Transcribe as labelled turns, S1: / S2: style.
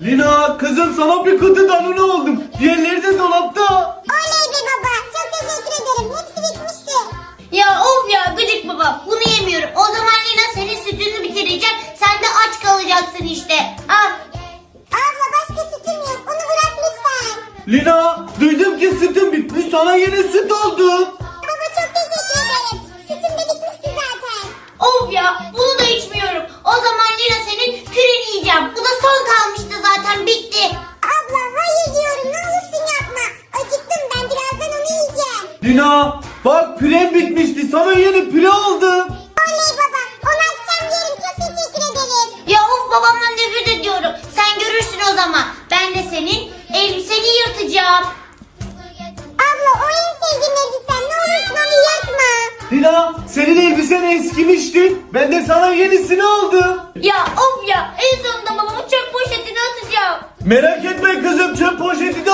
S1: Lina kızım sana bir kutu danone oldum. Diğerleri de dolapta.
S2: Oley be baba. Çok teşekkür ederim. Hepsi bitmişti.
S3: Ya of ya gıcık baba, bunu yemiyorum. O zaman Lina senin sütünü bitirecek. Sen de aç kalacaksın işte. Al.
S2: Abla başka sütüm yok. Onu bırak lütfen.
S1: Lina duydum ki sütün bitmiş, sana yeni süt aldım.
S2: Baba çok teşekkür ederim. Sütüm de bitmişti zaten.
S3: Of ya, bunu da içmiyorum. O zaman Lina senin küreni yiyeceğim. Bu da son kalmıştı zaten, bitti.
S2: Abla hayır diyorum. Ne olursun yapma. Acıktım ben. Birazdan onu yiyeceğim.
S1: Lina bak püren bitmişti, sana yeni püre aldım.
S2: Oley baba. Onu akşam yerim. Çok teşekkür ederim.
S3: Ya of, babamdan nefret ediyorum. Sen görürsün o zaman. Ben de senin elbiseni yırtacağım.
S2: Abla o en sevdiğim elbisem. Ne olursun onu yakma.
S1: Lina senin elbisen eskimişti, ben de sana yenisini aldım.
S3: Ya of ya, en sonunda babamın çöp poşetine atacağım.
S1: Merak etme kızım, çöp poşeti de